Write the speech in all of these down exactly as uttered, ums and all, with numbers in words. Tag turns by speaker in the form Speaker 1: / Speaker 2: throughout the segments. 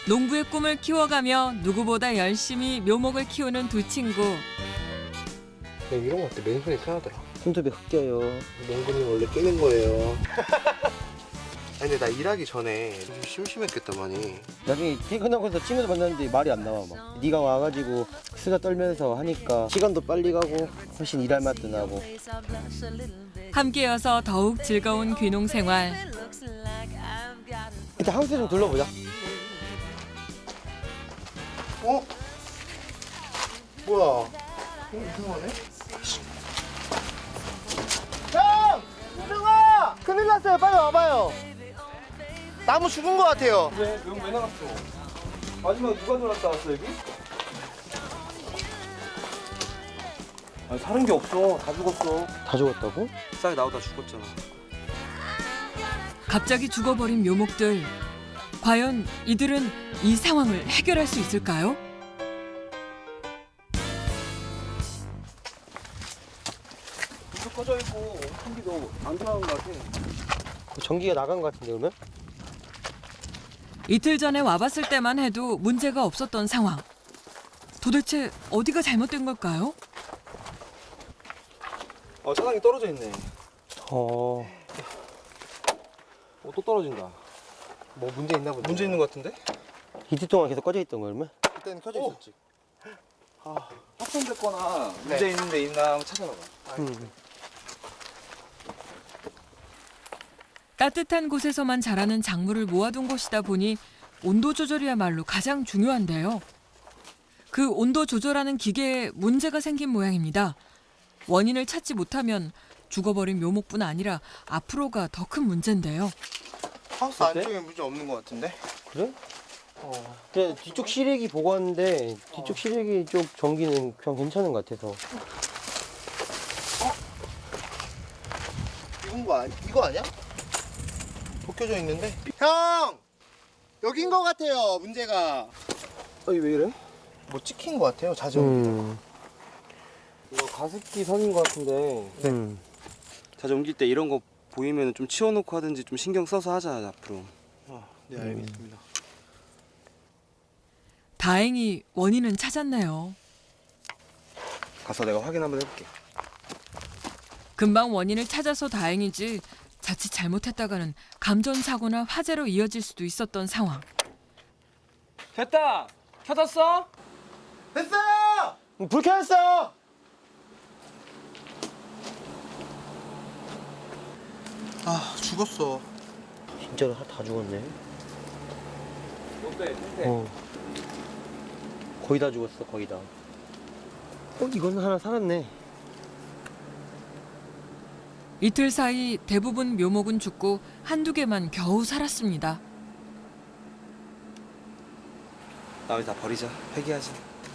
Speaker 1: 농부의 꿈을 키워가며 누구보다 열심히 묘목을 키우는 두 친구.
Speaker 2: 네, 이런 거 어때? 맨손이 편하더라.
Speaker 3: 손톱이 흑겨요.
Speaker 2: 농구는 원래 끼는 거예요. 아니 근데 나 일하기 전에 좀 심심했겠다 많이.
Speaker 3: 나중에 퇴근하고서 친구들 만났는데 말이 안 나와 막. 네가 와가지고 수다 떨면서 하니까 시간도 빨리 가고 훨씬 일할 맛도 나고.
Speaker 1: 함께여서 더욱 즐거운 귀농 생활.
Speaker 3: 일단 하우스 좀 둘러보자.
Speaker 2: 어? 뭐야? 어, 이상하네? 형! 유정아! 큰일 났어요. 빨리 와봐요. 나무 죽은 거 같아요.
Speaker 3: 왜? 여기 왜 나갔어? 마지막에 누가 들어갔다 왔어 여기? 아니 사는 게 없어. 다 죽었어. 다 죽었다고?
Speaker 2: 싹 나오다 죽었잖아.
Speaker 1: 갑자기 죽어버린 묘목들. 과연 이들은 이 상황을 해결할 수 있을까요?
Speaker 3: 불도 꺼져 있고 전기도 안 들어간 것 같아. 전기가 나간 것 같은데 그러면?
Speaker 1: 이틀 전에 와봤을 때만 해도 문제가 없었던 상황. 도대체 어디가 잘못된 걸까요?
Speaker 4: 어, 차량이 떨어져 있네.
Speaker 3: 어.
Speaker 4: 어, 또 떨어진다.
Speaker 2: 뭐 문제 있나 보네.
Speaker 4: 문제 있는 것 같은데?
Speaker 3: 이틀 동안 계속 꺼져 있던 거 그러면?
Speaker 2: 그때는 켜져
Speaker 4: 오!
Speaker 2: 있었지.
Speaker 4: 아, 확산됐거나
Speaker 2: 네.
Speaker 4: 문제 있는 데 있나 한번 찾아봐봐.
Speaker 3: 음.
Speaker 1: 따뜻한 곳에서만 자라는 작물을 모아둔 곳이다 보니 온도 조절이야말로 가장 중요한데요. 그 온도 조절하는 기계에 문제가 생긴 모양입니다. 원인을 찾지 못하면 죽어버린 묘목뿐 아니라 앞으로가 더 큰 문제인데요.
Speaker 2: 하우스
Speaker 3: 어때?
Speaker 2: 안쪽에 문제 없는 거 같은데?
Speaker 3: 그래?
Speaker 2: 어.
Speaker 3: 근데 뒤쪽 실외기 보고 왔는데 뒤쪽 실외기 쪽 전기는 그냥 괜찮은 것 같아서.
Speaker 2: 이건 거 아니? 이거 아니야? 벗겨져 있는데? 형! 여긴 거 같아요. 문제가.
Speaker 3: 어이 왜 이래?
Speaker 2: 뭐 찍힌 거 같아요. 자전.
Speaker 3: 음. 이거 가습기 선인 것 같은데. 음.
Speaker 4: 자주 옮길 때 이런 거 보이면 좀 치워놓고 하든지 좀 신경 써서 하자, 앞으로.
Speaker 2: 아, 네 알겠습니다.
Speaker 1: 다행히 원인은 찾았네요.
Speaker 4: 가서 내가 확인 한번 해볼게.
Speaker 1: 금방 원인을 찾아서 다행이지 자칫 잘못했다가는 감전사고나 화재로 이어질 수도 있었던 상황.
Speaker 4: 됐다! 켜졌어?
Speaker 2: 됐어요!
Speaker 3: 음, 불 켜졌어!
Speaker 2: 아 죽었어.
Speaker 3: 진짜로 다- 다 죽었네.
Speaker 4: 어때?
Speaker 3: 어. 거의 다 죽었어, 거의 다. 어, 이건 하나 살았네.
Speaker 1: 이틀 사이 대부분 묘목은 죽고 한두 개만 겨우 살았습니다.
Speaker 4: 나머지 다 버리자. 폐기하자.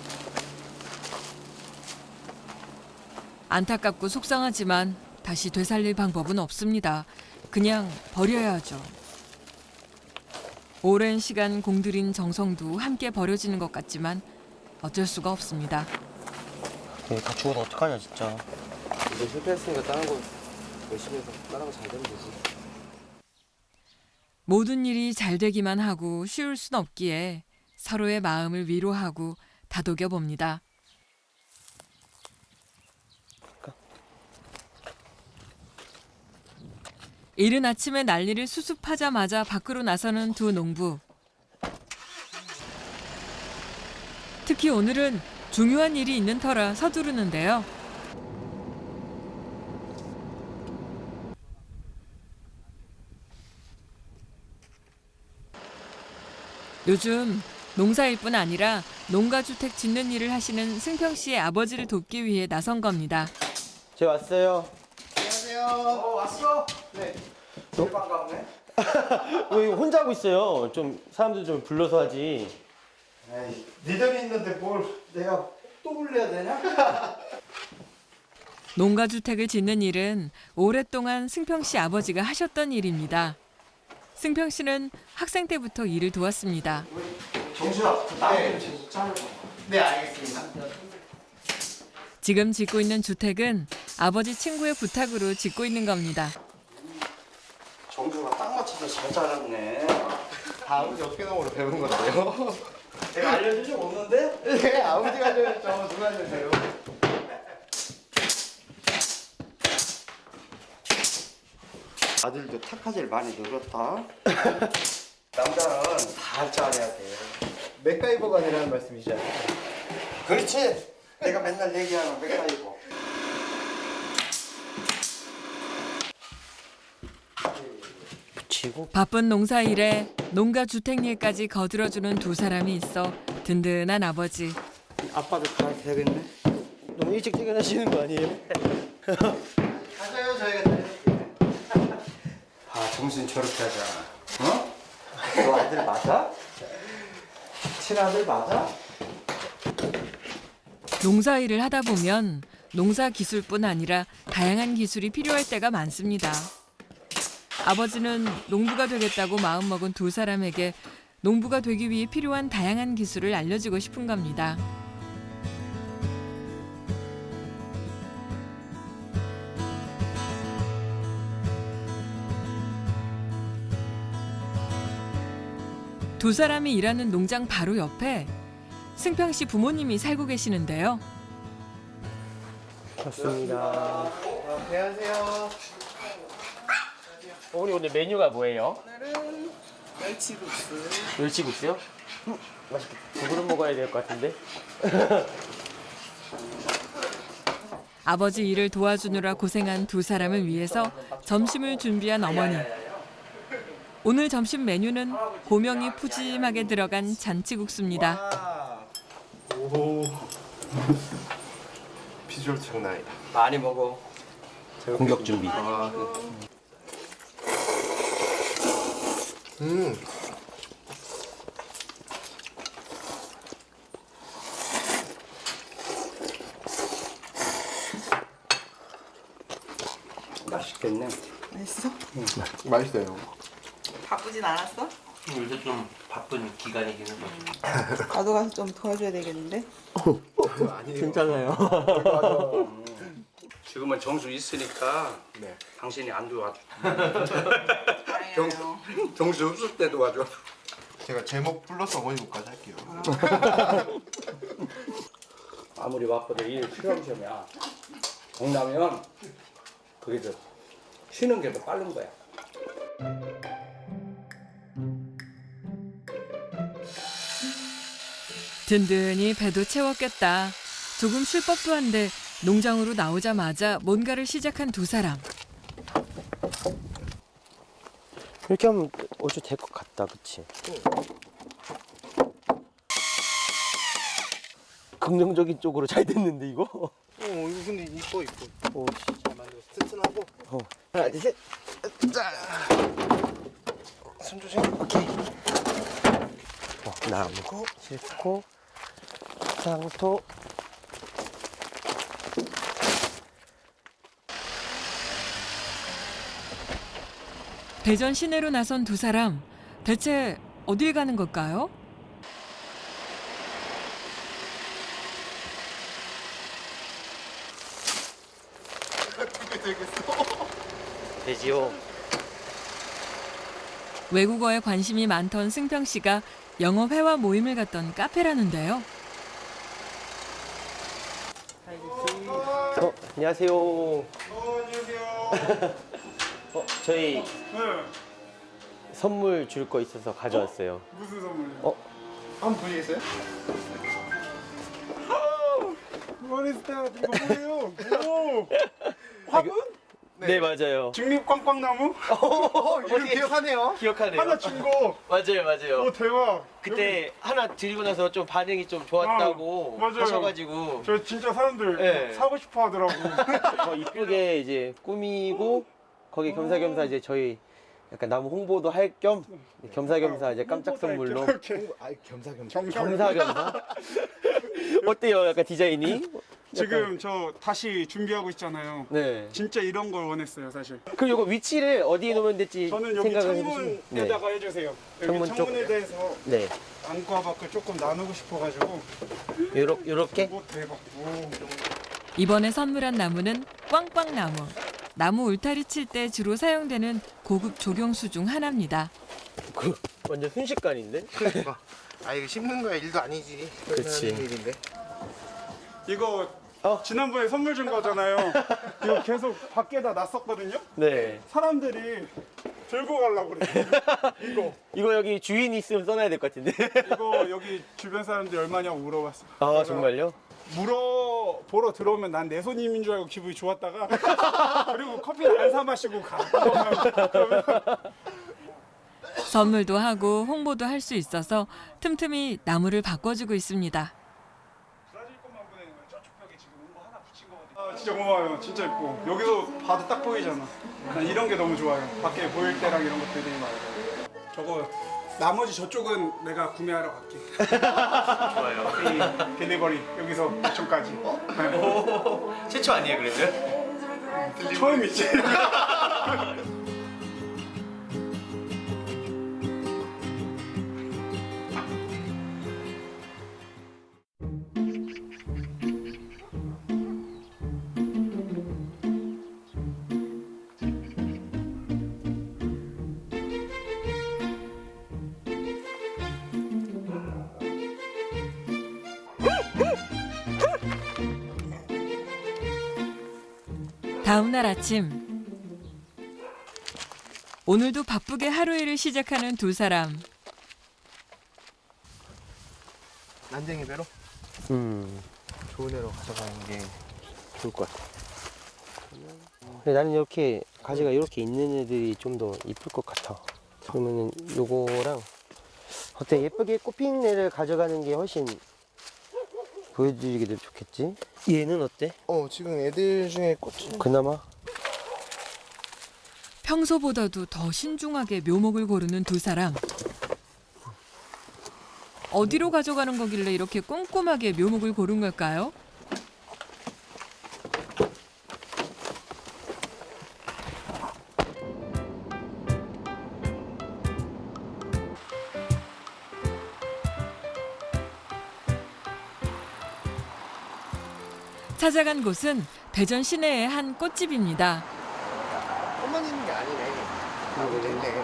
Speaker 1: 안타깝고 속상하지만 다시 되살릴 방법은 없습니다. 그냥 버려야 하죠. 오랜 시간 공들인 정성도 함께 버려지는 것 같지만 어쩔 수가 없습니다.
Speaker 3: 얘 다 죽어서 어떡하냐, 진짜.
Speaker 4: 이제 실패했으니까 다른 거 열심히 해서 다른 거 잘 되면 되지.
Speaker 1: 모든 일이 잘 되기만 하고 쉬울 순 없기에 서로의 마음을 위로하고 다독여 봅니다. 이른 아침에 난리를 수습하자마자 밖으로 나서는 두 농부. 특히 오늘은 중요한 일이 있는 터라 서두르는데요. 요즘 농사일뿐 아니라 농가주택 짓는 일을 하시는 승평 씨의 아버지를 돕기 위해 나선 겁니다.
Speaker 3: 제가 왔어요.
Speaker 2: 안녕하세요.
Speaker 4: 어, 왔어?
Speaker 2: 네.
Speaker 4: 제일 반갑네.
Speaker 3: 왜 혼자 하고 있어요? 좀 사람들 좀 불러서 하지.
Speaker 2: 에이, 니들이 있는데 뭘 내가 또 불러야 되냐?
Speaker 1: 농가주택을 짓는 일은 오랫동안 승평 씨 아버지가 하셨던 일입니다. 승평 씨는 학생 때부터 일을 도왔습니다.
Speaker 4: 정수야,
Speaker 2: 네.
Speaker 4: 좀 잘라봐.
Speaker 2: 네 알겠습니다.
Speaker 1: 지금 짓고 있는 주택은 아버지 친구의 부탁으로 짓고 있는 겁니다.
Speaker 4: 정수가 딱 맞춰서 잘 잘랐네.
Speaker 2: 다 다 아버지 어깨너머로 배운 건데요.
Speaker 3: 내가 알려준 적 없는데?
Speaker 2: 네, 아버지가 알려줬죠. 누가 알려줘요?
Speaker 3: 아들도 탁하질 많이 늘었다. 남자는 다 할 줄 알아야 돼.
Speaker 2: 맥가이버가 되라는 말씀이시잖아요.
Speaker 3: 그렇지. 내가 맨날 얘기하는 맥가이버. 붙이고.
Speaker 1: 바쁜 농사일에 농가 주택일까지 거들어주는 두 사람이 있어 든든한 아버지.
Speaker 3: 아빠도 다 되겠네. 너무 일찍 퇴근하시는 거 아니에요?
Speaker 2: 가져요, 저희가 다녀올게요.
Speaker 3: 아, 정신 저렇게 하자. 어? 너 아들 맞아? 친아들 맞아?
Speaker 1: 농사일을 하다 보면 농사 기술뿐 아니라 다양한 기술이 필요할 때가 많습니다. 아버지는 농부가 되겠다고 마음먹은 두 사람에게 농부가 되기 위해 필요한 다양한 기술을 알려주고 싶은 겁니다. 두 사람이 일하는 농장 바로 옆에 승평 씨 부모님이 살고 계시는데요.
Speaker 3: 좋습니다.
Speaker 2: 안녕하세요.
Speaker 5: 어머니 오늘 메뉴가 뭐예요?
Speaker 6: 오늘은 멸치국수.
Speaker 5: 멸치국수요? 음, 맛있겠다. 두 그릇 먹어야 될 것 같은데?
Speaker 1: 아버지 일을 도와주느라 고생한 두 사람을 위해서 점심을 준비한 어머니. 오늘 점심 메뉴는 고명이 푸짐하게 들어간 잔치국수입니다.
Speaker 2: 오. 비주얼 장난 아니다.
Speaker 5: 많이 먹어.
Speaker 3: 공격 준비.
Speaker 2: 아. 음.
Speaker 3: 맛있겠네.
Speaker 6: 맛있어?
Speaker 2: 맛있어요.
Speaker 6: 바쁘진 않았어?
Speaker 5: 요새 좀 바쁜 기간이기는 해.
Speaker 6: 나도 가서 좀 도와줘야 되겠는데?
Speaker 5: 괜찮아요.
Speaker 7: 지금은 정수 있으니까
Speaker 2: 네.
Speaker 7: 당신이 안 도와줘.
Speaker 6: 다행이에요.
Speaker 7: 정수 없을 때 도와줘.
Speaker 2: 제가 제목 플러스 어머니국까지 할게요.
Speaker 7: 아무리 바빠도 일 실험시험이야. 동나면 그게 더 쉬는 게 더 빠른 거야.
Speaker 1: 든든히 배도 채웠겠다. 조금 쉴 법도 한데 농장으로 나오자마자 뭔가를 시작한 두 사람.
Speaker 3: 이렇게 하면 어째 될 것 같다, 그치? 긍정적인 쪽으로 잘 됐는데 이거?
Speaker 2: 어, 이거 근데 이뻐 이뻐.
Speaker 3: 오, 씨.
Speaker 2: 잘 만들었어. 튼튼하고.
Speaker 3: 어. 하나, 둘, 셋. 자.
Speaker 2: 손 조심.
Speaker 3: 오케이. 어, 나무고, 싣고, 상토.
Speaker 1: 대전 시내로 나선 두 사람. 대체 어딜 가는 걸까요?
Speaker 3: 되지요.
Speaker 1: 외국어에 관심이 많던 승평 씨가 영어 회화 모임을 갔던 카페라는데요.
Speaker 3: 어, 안녕하세요. 어, 안녕하세요. 어, 저희 선물 줄 거 있어서 가져왔어요.
Speaker 8: 무슨 선물이요?
Speaker 3: 어,
Speaker 2: 한번 보시겠어요?
Speaker 8: 머리스타 이거 뭐예요? 오! 화분?
Speaker 3: 네, 맞아요.
Speaker 8: 중립 꽝꽝나무?
Speaker 2: 어, 이름 기억하네요.
Speaker 3: 기억하네요.
Speaker 8: 하나 준 거.
Speaker 3: 맞아요, 맞아요.
Speaker 8: 오 대박.
Speaker 3: 그때 하나 드리고 나서 좀 반응이 좀 좋았다고
Speaker 8: 어, 맞아요.
Speaker 3: 하셔가지고
Speaker 8: 저 진짜 사람들
Speaker 3: 네.
Speaker 8: 사고 싶어 하더라고.
Speaker 3: 더 이쁘게 이제 꾸미고 거기 겸사겸사 이제 저희 약간 나무 홍보도 할 겸 겸사겸사 이제 깜짝 선물로
Speaker 8: 이렇게
Speaker 2: 아, 겸사겸사.
Speaker 8: 정상.
Speaker 3: 겸사겸사 어때요? 약간 디자인이?
Speaker 8: 지금 저 다시 준비하고 있잖아요.
Speaker 3: 네.
Speaker 8: 진짜 이런 걸 원했어요, 사실.
Speaker 3: 그럼 이거 위치를 어디에 놓으면 될지
Speaker 8: 저는 여기
Speaker 3: 생각을 해주시면
Speaker 8: 창문에다가 해주세요. 여기
Speaker 3: 창문 쪽.
Speaker 8: 창문에 대해서
Speaker 3: 네.
Speaker 8: 안과 밖을 조금 나누고 싶어가지고.
Speaker 3: 요렇, 요렇게
Speaker 8: 오 대박. 오.
Speaker 1: 이번에 선물한 나무는 꽝꽝나무. 나무 울타리 칠 때 주로 사용되는 고급 조경수 중 하나입니다.
Speaker 3: 그 완전 순식간인데?
Speaker 2: 그러니까. 아 이거 씹는 거야 일도 아니지.
Speaker 3: 그치.
Speaker 2: 하는 일인데.
Speaker 8: 이거
Speaker 3: 어?
Speaker 8: 지난번에 선물 준 거잖아요. 이거 계속 밖에다 놨었거든요.
Speaker 3: 네.
Speaker 8: 사람들이 들고 가려고 그래. 이거
Speaker 3: 이거 여기 주인 있으면 써놔야 될 것 같은데.
Speaker 8: 이거 여기 주변 사람들이 얼마냐고 물어봤어.
Speaker 3: 아
Speaker 8: 그래서
Speaker 3: 정말요?
Speaker 8: 물어 보러 들어오면 난 내 손님인 줄 알고 기분이 좋았다가 그리고 커피를 안 사 마시고 가. 그러면
Speaker 1: 선물도 하고 홍보도 할 수 있어서 틈틈이 나무를 바꿔주고 있습니다.
Speaker 8: 브라질 것만 보내는 거야. 저쪽 벽에 지금 온거 하나 붙인 거거든. 아 진짜 고마워요. 진짜 예뻐. 여기서 봐도 딱 보이잖아. 난 이런 게 너무 좋아요. 밖에 보일 때랑 이런 것들이 되게 많아요. 저거 나머지 저쪽은 내가 구매하러 갈게. 좋아요. 이 딜리버리 여기서 부천까지. 네.
Speaker 3: 최초 아니에요 그래도?
Speaker 8: 처음이지.
Speaker 1: 다음 날 아침 오늘도 바쁘게 하루 일을 시작하는 두 사람.
Speaker 2: 난쟁이 배로
Speaker 3: 음
Speaker 2: 좋은 애로 가져가는 게 좋을 것 같아.
Speaker 3: 근데 나는 이렇게 가지가 이렇게 있는 애들이 좀 더 이쁠 것 같아. 그러면은 요거랑 어때 예쁘게 꽃핀 애를 가져가는 게 훨씬 보여드리기도 좋겠지? 얘는 어때?
Speaker 2: 어 지금 애들 중에 꽃이
Speaker 3: 그나마?
Speaker 1: 평소보다도 더 신중하게 묘목을 고르는 두 사람. 어디로 가져가는 거길래 이렇게 꼼꼼하게 묘목을 고른 걸까요? 찾아간 곳은 대전 시내의 한 꽃집입니다.
Speaker 2: 꽃만 있는 게 아니네. 그리고 있네.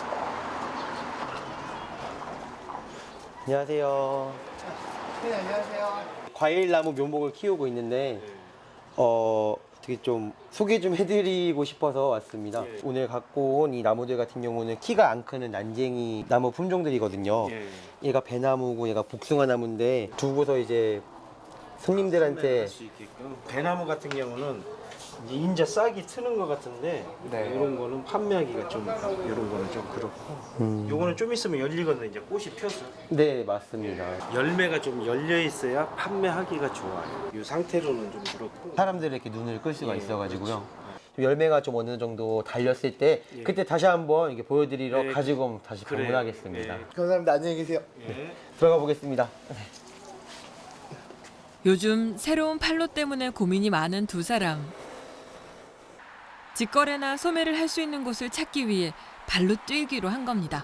Speaker 3: 안녕하세요.
Speaker 2: 네 안녕하세요.
Speaker 3: 과일나무 묘목을 키우고 있는데 어 되게 좀 소개 좀 해드리고 싶어서 왔습니다.
Speaker 4: 예.
Speaker 3: 오늘 갖고 온 이 나무들 같은 경우는 키가 안 크는 난쟁이 나무 품종들이거든요.
Speaker 4: 예.
Speaker 3: 얘가 배나무고 얘가 복숭아 나무인데 두고서 이제 손님들한테
Speaker 4: 할 수 있게끔.
Speaker 5: 배나무 같은 경우는 이제 인자 싹이 트는 것 같은데
Speaker 2: 네.
Speaker 5: 이런 거는 판매하기가 좀 이런 거는 좀 그렇고
Speaker 3: 음.
Speaker 5: 요거는 좀 있으면 열리거든요. 이제 꽃이 펴서
Speaker 3: 네 맞습니다.
Speaker 5: 열매가 좀 열려 있어야 판매하기가 좋아요. 이 상태로는 좀 그렇고
Speaker 3: 사람들의 이렇게 눈을 끌 수가
Speaker 5: 예,
Speaker 3: 있어가지고요. 열매가 좀 어느 정도 달렸을 때
Speaker 5: 예.
Speaker 3: 그때 다시 한번 이렇게 보여드리러
Speaker 5: 예.
Speaker 3: 가지고 다시
Speaker 5: 그래요.
Speaker 3: 방문하겠습니다.
Speaker 5: 예.
Speaker 2: 감사합니다. 안녕히 계세요.
Speaker 5: 예.
Speaker 3: 들어가 보겠습니다.
Speaker 1: 요즘 새로운 판로 때문에 고민이 많은 두 사람. 직거래나 소매를 할 수 있는 곳을 찾기 위해 발로 뛰기로 한 겁니다.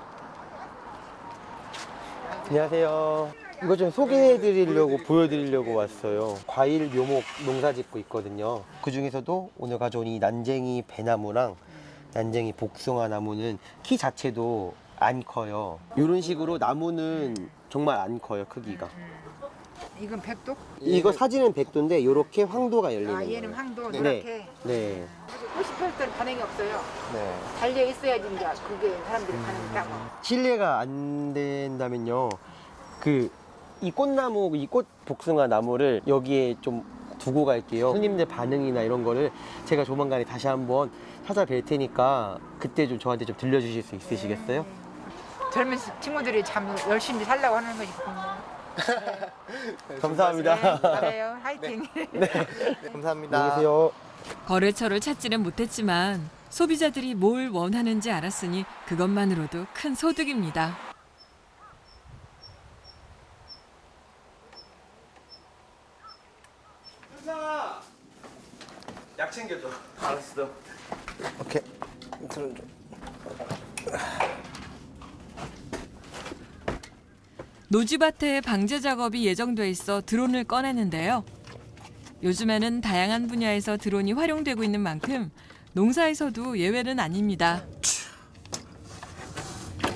Speaker 3: 안녕하세요. 이거 좀 소개해드리려고 보여드리려고 왔어요. 과일 묘목 농사 짓고 있거든요. 그 중에서도 오늘 가져온 이 난쟁이 배나무랑 난쟁이 복숭아 나무는 키 자체도 안 커요. 이런 식으로 나무는 정말 안 커요, 크기가.
Speaker 9: 이건 백도?
Speaker 3: 이거 사진은 백도인데 이렇게 황도가 열리는
Speaker 9: 아
Speaker 3: 거예요.
Speaker 9: 얘는 황도
Speaker 3: 네.
Speaker 9: 이렇게.
Speaker 3: 네.
Speaker 9: 꽃이 펼 때는 반응이 없어요.
Speaker 2: 네.
Speaker 9: 달려 있어야지 이제 그게 사람들이 반응이 따고.
Speaker 3: 실례가 안 된다면요. 그 이 꽃나무, 이 꽃 복숭아 나무를 여기에 좀 두고 갈게요. 손님들 반응이나 이런 거를 제가 조만간에 다시 한번 찾아뵐 테니까 그때 좀 저한테 좀 들려주실 수 있으시겠어요?
Speaker 9: 젊은 친구들이 참 열심히 살려고 하는 것이
Speaker 3: 감사합니다.
Speaker 9: 네, 잘해요. 화이팅.
Speaker 2: 네, 감사합니다.
Speaker 3: 안녕히 계세요.
Speaker 1: 거래처를 찾지는 못했지만 소비자들이 뭘 원하는지 알았으니 그것만으로도 큰 소득입니다.
Speaker 3: 현상아, 약 챙겨줘.
Speaker 5: 알았어.
Speaker 2: 오케이. 들어줘.
Speaker 1: 노지밭에 방제 작업이 예정돼 있어 드론을 꺼내는데요. 요즘에는 다양한 분야에서 드론이 활용되고 있는 만큼 농사에서도 예외는 아닙니다.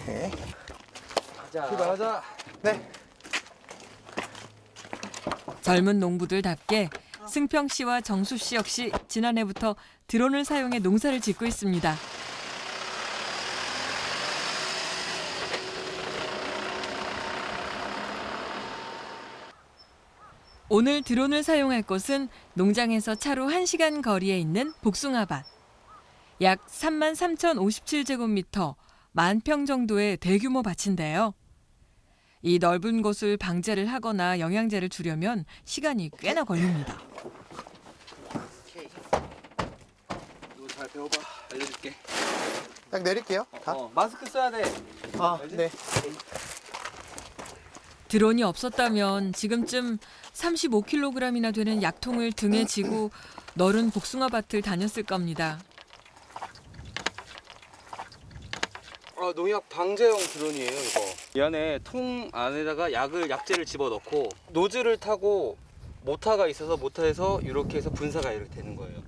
Speaker 2: 오케이.
Speaker 3: 출발하자.
Speaker 2: 네.
Speaker 1: 젊은 농부들답게 승평 씨와 정수 씨 역시 지난해부터 드론을 사용해 농사를 짓고 있습니다. 오늘 드론을 사용할 곳은 농장에서 차로 한 시간 거리에 있는 복숭아밭. 약 삼만 삼천오십칠 제곱미터, 만 평 정도의 대규모 밭인데요. 이 넓은 곳을 방제를 하거나 영양제를 주려면 시간이 꽤나 걸립니다.
Speaker 4: 이거 잘 배워봐. 알려줄게.
Speaker 2: 딱 내릴게요. 다.
Speaker 4: 어, 마스크 써야 돼.
Speaker 2: 아, 네.
Speaker 1: 드론이 없었다면 지금쯤 삼십오 킬로그램이나 되는 약통을 등에 지고 넓은 복숭아밭을 다녔을 겁니다.
Speaker 4: 아, 농약 방제용 드론이에요, 이거. 이 안에 통 안에다가 약을 약재를 집어넣고 노즐을 타고 모터가 있어서 모터에서 이렇게 해서 분사가 이렇게 되는 거예요.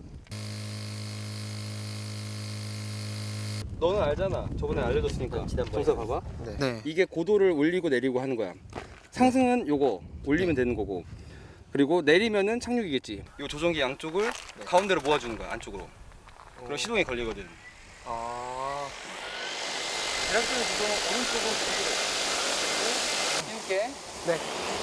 Speaker 4: 너는 알잖아. 저번에 알려줬으니까.
Speaker 3: 지난번에.
Speaker 4: 정서 봐봐.
Speaker 2: 네.
Speaker 4: 이게 고도를 올리고 내리고 하는 거야. 상승은 요거 올리면 되는 거고, 그리고 내리면은 착륙이겠지. 이 조종기 양쪽을 가운데로 모아주는 거야, 안쪽으로. 그럼 시동이 걸리거든.
Speaker 2: 아.
Speaker 4: 대략적인 구조는 오른쪽은 띄울게.
Speaker 2: 네.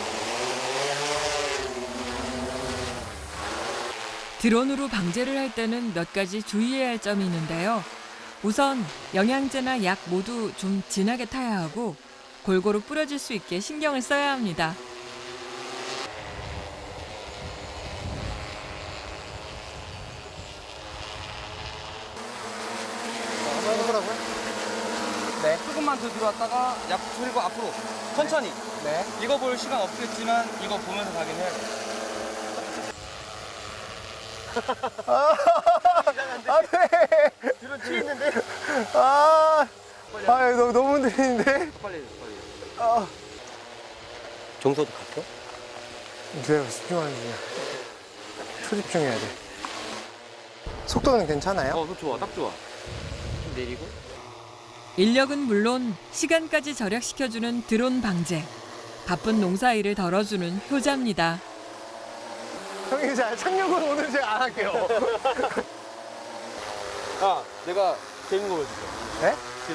Speaker 1: 드론으로 방제를 할 때는 몇 가지 주의해야 할 점이 있는데요. 우선 영양제나 약 모두 좀 진하게 타야 하고 골고루 뿌려질 수 있게 신경을 써야 합니다.
Speaker 2: 한번 해보라고요? 네.
Speaker 4: 조금만 더 들어왔다가 약 풀고 앞으로 천천히.
Speaker 2: 네.
Speaker 4: 이거 볼 시간 없겠지만 이거 보면서 가긴 해야 돼.
Speaker 2: 아, 네. 뒤로 튀겠는데? 아, 아, 너무, 너무 흔들리는데?
Speaker 4: 빨리 빨리.
Speaker 2: 아.
Speaker 3: 정서도 갔어?
Speaker 2: 내가 집중하는 중이야. 초집중해야 돼. 속도는 괜찮아요?
Speaker 4: 어, 그거 좋아, 딱 좋아. 좀 내리고.
Speaker 1: 인력은 물론 시간까지 절약시켜주는 드론 방제. 바쁜 농사일을 덜어주는 효자입니다.
Speaker 2: 형님, 자, 착륙은 오늘 제가 안 할게요.
Speaker 4: 아, 내가 재밌는 거 보여줄게.
Speaker 2: 네?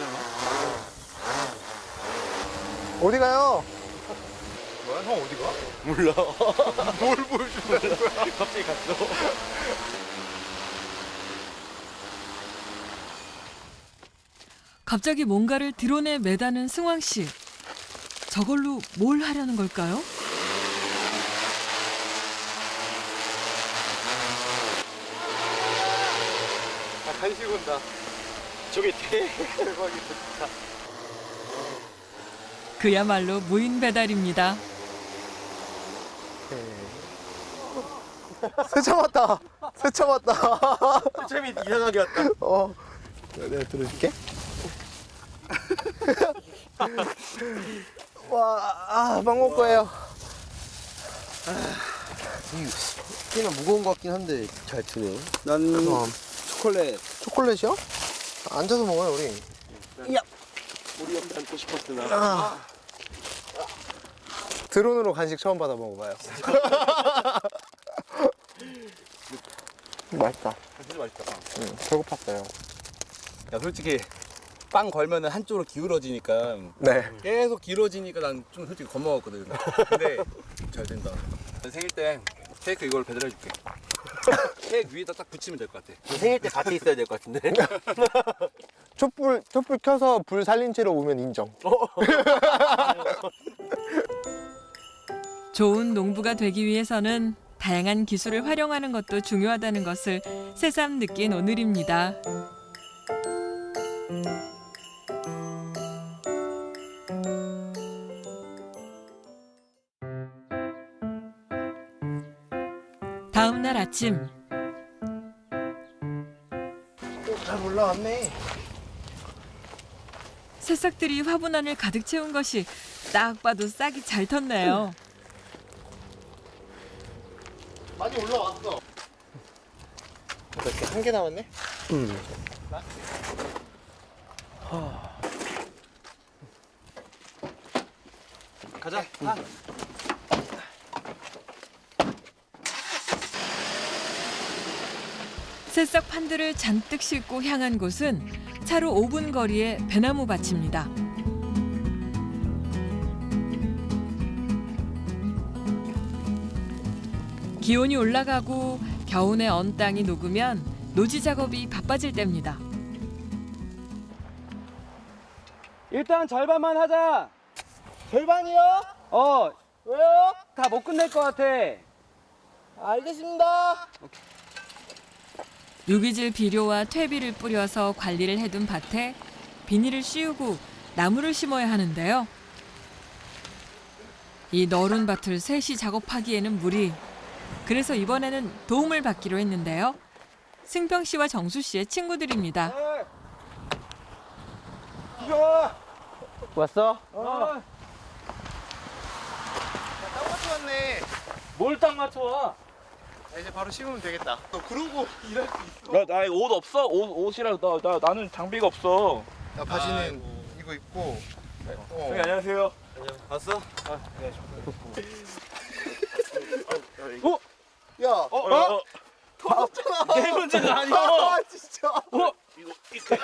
Speaker 2: 어디 가요?
Speaker 4: 뭐야, 형 어디 가? 몰라. 뭘 보여준다는 거야? 갑자기 갔어.
Speaker 1: 갑자기 뭔가를 드론에 매다는 승황 씨. 저걸로 뭘 하려는 걸까요?
Speaker 4: 아, 간식 온다. 저게 대박이다, 진짜.
Speaker 1: 그야말로 무인 배달입니다.
Speaker 2: 세차 왔다. 세차 왔다.
Speaker 4: 재미 이상하게 왔다.
Speaker 2: 어. 내가 들어줄게. 와, 아, 빵 먹을 거예요.
Speaker 3: 꽤나 무거운 것 같긴 한데 잘 드네.
Speaker 4: 난
Speaker 2: 그럼.
Speaker 4: 초콜릿.
Speaker 2: 초콜릿이요? 앉아서 먹어요, 우리.
Speaker 4: 우리 옆에 앉고 싶었으나.
Speaker 2: 아. 드론으로 간식 처음 받아 먹어봐요. 맛있다.
Speaker 4: 진짜 맛있다.
Speaker 2: 응, 배고팠어요.
Speaker 4: 야, 솔직히 빵 걸면은 한쪽으로 기울어지니까
Speaker 2: 네.
Speaker 4: 계속 길어지니까 난 좀 솔직히 겁먹었거든. 근데 잘 된다. 생일 때 케이크 이걸 배달해줄게. 케이크 위에다 딱 붙이면 될 것 같아.
Speaker 3: 생일 때 같이 있어야 될 것 같은데.
Speaker 2: 촛불, 촛불 켜서 불 살린 채로 오면 인정.
Speaker 1: 좋은 농부가 되기 위해서는 다양한 기술을 활용하는 것도 중요하다는 것을 새삼 느낀 오늘입니다. 다음 날 아침
Speaker 2: 잘 올라왔네.
Speaker 1: 새싹들이 화분안을 가득 채운 것이 딱 봐도 싹이 잘 텄네요.
Speaker 2: 많이 올라왔어. 이렇게 한 개 남았네? 응.
Speaker 4: 가자.
Speaker 1: 새싹 판들을 잔뜩 싣고 향한 곳은 차로 오 분 거리의 배나무 밭입니다. 기온이 올라가고 겨우내 언 땅이 녹으면 노지 작업이 바빠질 때입니다.
Speaker 4: 일단 절반만 하자.
Speaker 2: 절반이요?
Speaker 4: 어,
Speaker 2: 왜요?
Speaker 4: 다 못 끝낼 것 같아.
Speaker 2: 알겠습니다.
Speaker 1: 유기질 비료와 퇴비를 뿌려서 관리를 해둔 밭에 비닐을 씌우고 나무를 심어야 하는데요. 이 너른 밭을 셋이 작업하기에는 무리. 그래서 이번에는 도움을 받기로 했는데요. 승평 씨와 정수 씨의 친구들입니다.
Speaker 3: 왔어?
Speaker 2: 딱 맞춰왔네.
Speaker 4: 뭘 딱 맞춰?
Speaker 2: 자, 이제 바로 심으면 되겠다. 너 그러고 일할 수 있어.
Speaker 8: 나, 나 옷 없어? 옷, 옷이랑 나, 나, 나는 장비가 없어.
Speaker 2: 야, 바지는 이거 입고. 어.
Speaker 8: 형님 안녕하세요.
Speaker 4: 봤어?
Speaker 2: 야,
Speaker 8: 어? 어?
Speaker 2: 터졌잖아.
Speaker 8: 내 문제가 아니야.
Speaker 2: 아, 진짜.
Speaker 8: 어? 이거 이렇게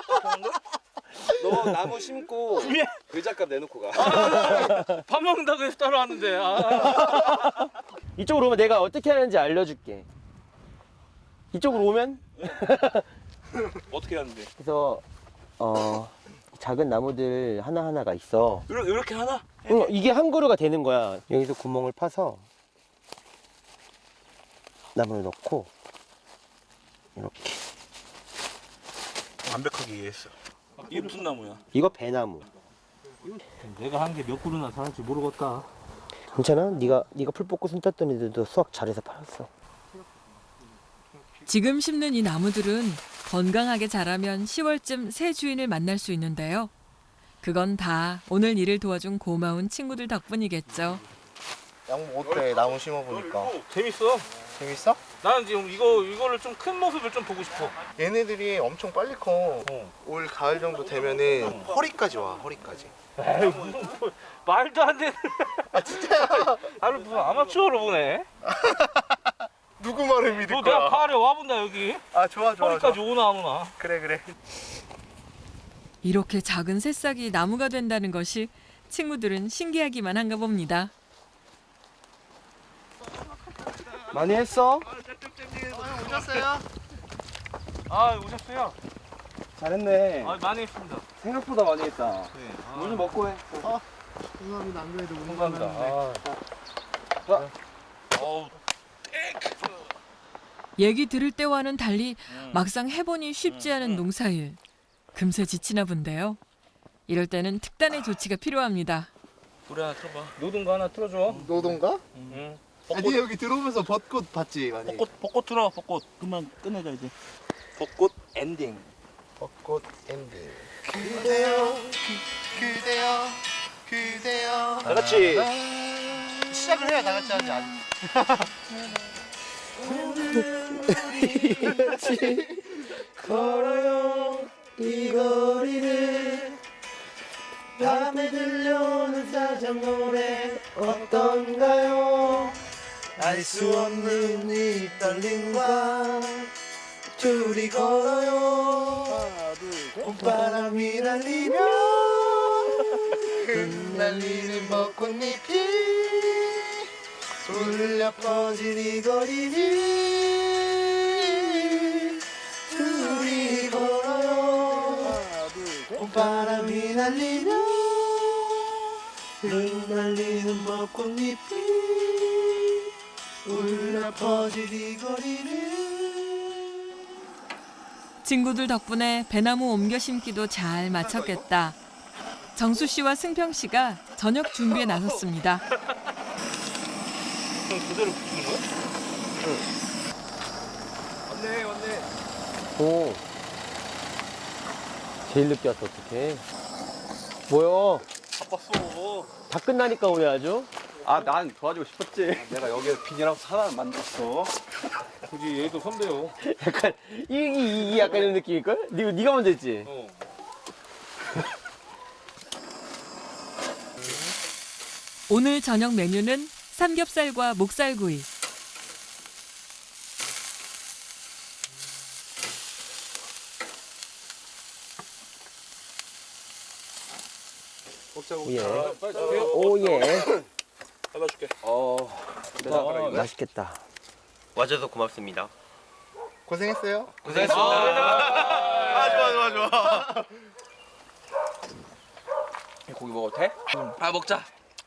Speaker 4: 너 나무 심고
Speaker 8: 예.
Speaker 4: 의자값 내놓고 가.
Speaker 8: 밥 먹는다고 해서 따라왔는데. 아.
Speaker 3: 이쪽으로 오면 내가 어떻게 하는지 알려줄게. 이쪽으로 오면
Speaker 8: 어떻게 하는데?
Speaker 3: 그래서 어 작은 나무들 하나 하나가 있어.
Speaker 8: 이렇게, 이렇게 하나?
Speaker 3: 응, 이게 한 그루가 되는 거야. 여기서 구멍을 파서 나무를 넣고 이렇게.
Speaker 8: 완벽하게 이해했어. 이게 무슨 나무야?
Speaker 3: 이거 배나무.
Speaker 5: 내가 한 게 몇 그루나 살았지 모르겠다.
Speaker 3: 괜찮아? 네가 네가 풀 뽑고 손 땄던 애들도 수확 잘해서 팔았어.
Speaker 1: 지금 심는 이 나무들은 건강하게 자라면 시월쯤 새 주인을 만날 수 있는데요. 그건 다 오늘 일을 도와준 고마운 친구들 덕분이겠죠.
Speaker 2: 양목 어때? 나무 심어보니까.
Speaker 8: 재밌어.
Speaker 2: 재밌어?
Speaker 8: 나는 지금 이거 이거를 좀 큰 모습을 좀 보고 싶어.
Speaker 2: 얘네들이 엄청 빨리 커. 올 가을 정도 되면은 허리까지 와, 허리까지.
Speaker 8: 에이, 무슨 뭐, 말도 안 되는.
Speaker 2: 아, 진짜야.
Speaker 8: 나를 무슨 아마추어로 보네.
Speaker 2: 누구 말을 믿을
Speaker 8: 너
Speaker 2: 거야?
Speaker 8: 내가 가을에 와본다 여기.
Speaker 2: 아, 좋아, 좋아.
Speaker 8: 허리까지
Speaker 2: 좋아.
Speaker 8: 오나 안 오나.
Speaker 2: 그래, 그래.
Speaker 1: 이렇게 작은 새싹이 나무가 된다는 것이 친구들은 신기하기만 한가 봅니다.
Speaker 3: 많이 했어?
Speaker 2: 오셨어요?
Speaker 8: 아 오셨어요?
Speaker 3: 잘했네.
Speaker 8: 아 많이 했습니다.
Speaker 3: 생각보다 많이 했다.
Speaker 8: 네.
Speaker 3: 물 좀 먹고 해.
Speaker 2: 감사합니다. 안 그래도
Speaker 8: 감사합니다. 아. 어우
Speaker 1: 얘기 들을 때와는 달리 막상 해보니 쉽지 않은 농사일. 금세 지치나 본데요. 이럴 때는 특단의 조치가 필요합니다.
Speaker 8: 노래 하나 틀어봐. 노동거 하나 틀어줘.
Speaker 2: 노동가?
Speaker 8: 응.
Speaker 2: 아니, 여기 들어오면서 벚꽃 봤지, 많이.
Speaker 8: 벚꽃 벚꽃 틀어 벚꽃. 그만 끝내자 이제. 벚꽃 엔딩.
Speaker 2: 벚꽃 엔딩. 그대여, 그대여, 그대여.
Speaker 8: 다 같이.
Speaker 2: 시작을 해야 다 같이 하지. 아직.
Speaker 3: 걸어요 이 거리를 밤에 들려오는 사장 노래 어떤가요?
Speaker 2: 알 수 없는 이 떨림과 둘이 걸어요. 봄바람이 날리며 흩날리는 벚꽃잎이 울려 퍼진 이 거리를 둘이 걸어요. 봄바람이 날리며 흩날리는 벚꽃잎이 울려 퍼진 이 거리를.
Speaker 1: 친구들 덕분에 배나무 옮겨 심기도 잘 마쳤겠다. 정수 씨와 승평 씨가 저녁 준비에 나섰습니다.
Speaker 8: 그럼 그대로 붙이는 거야?
Speaker 2: 왔네, 왔네.
Speaker 3: 오. 제일 늦게 왔어 어떡해. 뭐야?
Speaker 8: 바빴어.
Speaker 3: 다 끝나니까 오네 아주.
Speaker 7: 아, 난 도와주고 싶었지. 내가 여기에 비닐하우스 하나 만들었어.
Speaker 8: 굳이 얘도 선배요.
Speaker 3: 약간 이, 이, 이 약간 이런 느낌일걸? 니, 니가 먼저 했지?
Speaker 8: 어.
Speaker 1: 오늘 저녁 메뉴는 삼겹살과 목살구이.
Speaker 3: 예. 오예.
Speaker 7: 잘라줄게. 어,
Speaker 3: 어, 맛있겠다. 와줘서 고맙습니다.
Speaker 2: 고생했어요.
Speaker 3: 고생했습니다.
Speaker 2: 아, 좋아, 좋아, 좋아.
Speaker 7: 고기 먹어도 돼? 아, 먹자.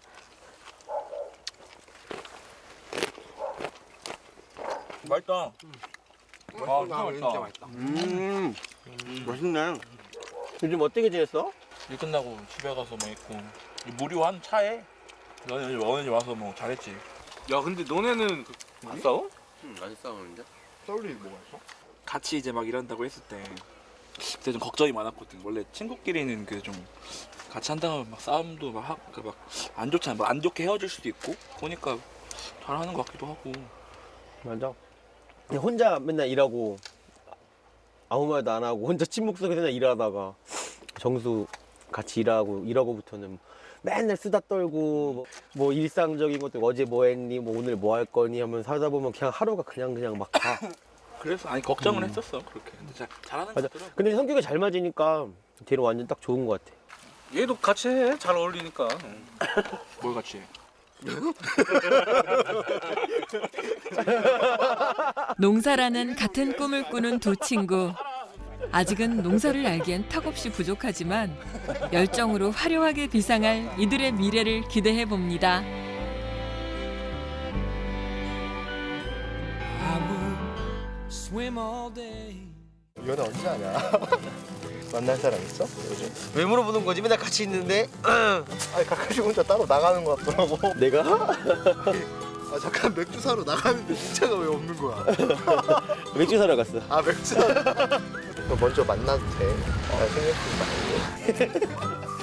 Speaker 7: 맛있다. 아, 진짜 맛있다.
Speaker 3: 음, 맛있네. 요즘 어떻게 지냈어?
Speaker 10: 일 끝나고 집에 가서 뭐 있고 무료한 차에 너네 어머니 와서 뭐 잘했지.
Speaker 4: 야 근데 너네는 안 싸워?
Speaker 3: 응, 안 싸우는데?
Speaker 2: 싸울 일이 뭐가 있어?
Speaker 10: 같이 이제 막 일한다고 했을 때 그때 좀 걱정이 많았거든. 원래 친구끼리는 그 좀 같이 한다면 막 싸움도 막 막 안 좋잖아. 막 안 좋게 헤어질 수도 있고 보니까 잘하는 것 같기도 하고.
Speaker 3: 맞아. 그냥 혼자 맨날 일하고 아무 말도 안 하고 혼자 침묵 속에서 그냥 일하다가 정수 같이 일하고 일하고부터는 맨날 수다 떨고 뭐, 뭐 일상적인 것들 어제 뭐 했니 뭐 오늘 뭐 할 거니 하면 살다 보면 그냥 하루가 그냥 그냥 막 가.
Speaker 10: 그래서 아니 걱정은 했었어 그렇게. 근데 잘 잘하는 것
Speaker 3: 맞아.
Speaker 10: 같더라고.
Speaker 3: 근데 성격이 잘 맞으니까 걔는 완전 딱 좋은 것 같아.
Speaker 4: 얘도 같이 해. 잘 어울리니까.
Speaker 10: 뭘 같이 해?
Speaker 1: 농사라는 같은 꿈을 꾸는 두 친구. 아직은 농사를 알기엔 턱없이 부족하지만 열정으로 화려하게 비상할 이들의 미래를 기대해 봅니다.
Speaker 2: 연애 언제 하냐? 만날 사람 있어? 요즘?
Speaker 3: 왜 물어보는 거지? 맨날 같이 있는데.
Speaker 2: 아니 가끔씩 혼자 따로 나가는 것 같더라고.
Speaker 3: 내가?
Speaker 2: 아 잠깐 맥주 사러 나가는데 진짜가 왜 없는 거야?
Speaker 3: 맥주 사러 갔어.
Speaker 2: 아 맥주 사러. 너 먼저 만나도 돼. 나 신경 쓰지 말고.